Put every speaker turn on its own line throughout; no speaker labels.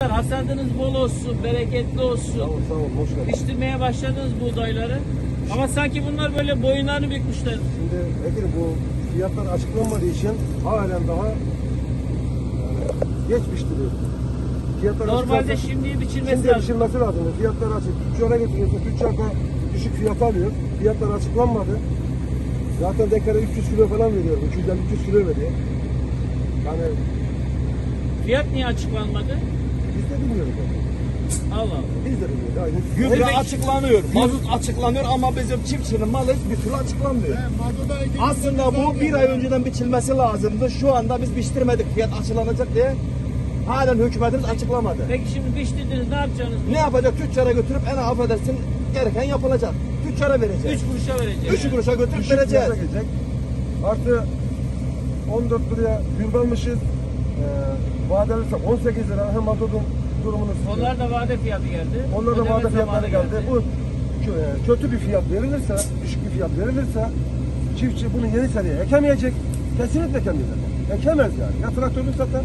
Hasadınız bol olsun, bereketli olsun.
Sağ ol, hoş geldin.
Piştirmeye başladınız buğdayları. Ama sanki bunlar böyle boyunlarını bükmüşler.
Şimdi Ekin, bu fiyatlar açıklanmadığı için halen daha geç piştiriyor. Fiyatlar
Normalde şimdi biçilmesi
şimdi
lazım.
biçilmesi lazım. Fiyatlar açık. Tüccara getiriyorsun. Tüccar da düşük fiyat alıyor. Fiyatlar açıklanmadı. Zaten dekara 300 kilo falan veriyor. 250-300 kilo veriyor. Yani
Fiyat niye açıklanmadı?
biz de bilmiyoruz.
Allah Allah.
Biz de bilmiyoruz. Yani
Gübre açıklanıyor, mazot açıklanıyor ama bizim çiftçinin malı bir türlü açıklanmıyor. Aslında bu bir ay önceden biçilmesi lazımdı. Şu anda biz biçtirmedik fiyat açıklanacak diye. Halen hükümetimiz açıklamadı.
Peki şimdi biçtirdiniz, ne yapacaksınız?
Ne yapacak? Tüccara götürüp en affedersin gereken yapılacak. Tüccara vereceğiz.
3 kuruşa vereceğiz.
3 kuruşa götürüp
düşük
vereceğiz.
fiyata gelecek. Artı 14 liraya gül almışız. Vadelisi 18 lira. Hem mazotun durumunu söylüyor.
Onlar da vade fiyatı geldi.
Onlar da
Ödeme
vade
zamanı
fiyatları geldi. Bu kötü bir fiyat verilirse, düşük bir fiyat verilirse çiftçi bunu yeni seneye ekemeyecek. Kesinlikle ekemeyecek. Ekemez yani. Ya traktörünü satar,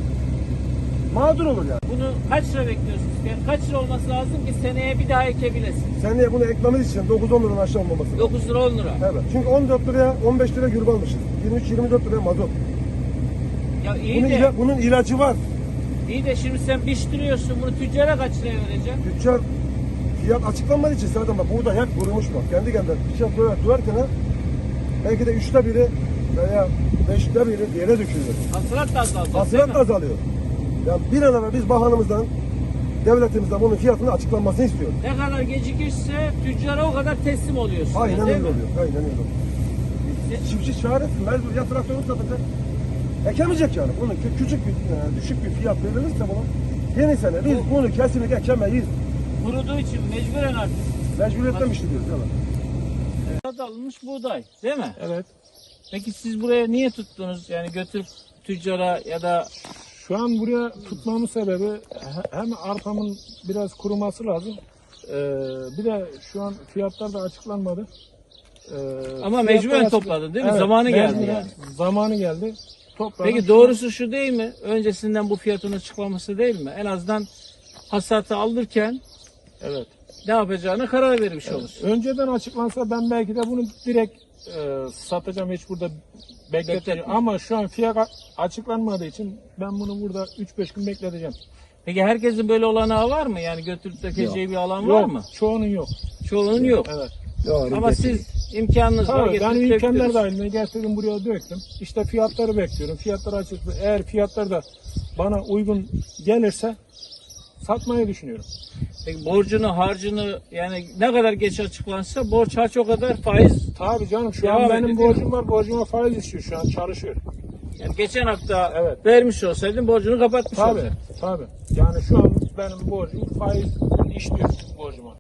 mağdur olur yani.
Bunu kaç lira bekliyorsunuz? Yani kaç lira olması lazım ki seneye bir daha ekebilesin?
Seneye bunu ekmemiz için 9-10 liradan aşağı olmaması lazım.
9 lira 10 lira.
Evet. Çünkü 14 liraya 15 lira gübre almışız. 23-24 liraya mazot.
Ya iyi de,
Bunun ilacı var.
iyi de şimdi sen biçtiriyorsun, bunu tüccara kaç liraya vereceksin?
Tüccar fiyat açıklanmadığı için zaten bak burada hep kurumuş bak. Kendi kendine fiyat duyarken belki de 3'te biri veya 5'te biri yere dökülüyor.
Hasılat da azalacak.
Hasılat
değil
da
mi?
azalıyor. Yani bir an evvel biz bakanımızdan, devletimizden bunun fiyatının açıklanmasını istiyoruz.
Ne kadar gecikirse tüccara o kadar teslim oluyorsun.
Aynen
değil
öyle
mi?
oluyor. Aynen öyle oluyor. Çiftçi çaresiz, mecbur ya traktörünü satacak. Ekemeyecek yani. Bunun küçük bir, düşük bir fiyat verilirse bunu yeni sene biz bunu kesinlikle ekemeyiz.
Kuruduğu için mecburen artık.
Mecburiyetten işliyoruz. Evet.
Hasat alınmış buğday değil mi?
Evet.
Peki siz buraya niye tuttunuz? Yani götürüp tüccara ya da
Şu an buraya tutmamın sebebi hem arpamın biraz kuruması lazım. Bir de şu an fiyatlar da açıklanmadı.
ama
Fiyatlar
mecburen
açık-
topladın değil mi?
Evet,
Zamanı geldi
mecburen
yani.
Zamanı geldi. Topladım.
Peki doğrusu şu değil mi? Öncesinden bu fiyatın açıklaması değil mi? En azından hasatı alırken
Evet.
ne yapacağına karar vermiş olursun.
Önceden açıklansa ben belki de bunu direkt satacağım, hiç burada bekleteceğim.
Bekletme.
Ama şu an fiyat açıklanmadığı için ben bunu burada 3-5 gün bekleteceğim.
Peki herkesin böyle olanağı var mı? Yani götürüp dökeceği bir alan var mı?
Çoğunun yok.
Çoğunun yok.
Evet.
Ama siz imkanınız var.
Tabii,
getirip
ben imkanlar
döktünüz.
dahilinde getirdim buraya döktüm. İşte fiyatları bekliyorum. Fiyatlar açıklı. Eğer fiyatlar da bana uygun gelirse satmayı düşünüyorum.
Peki borcunu, harcını yani ne kadar geç açıklansa borç harç o kadar faiz.
Tabii canım, şu
Devam
an
ediyor,
benim
değil mi?
borcum var. Borcuma faiz istiyor, şu an çalışıyor.
Yani geçen hafta
Evet.
vermiş olsaydın borcunu kapatmış
Tabii,
olacaktın.
tabii. Yani şu an benim borcum faiz işliyor borcuma.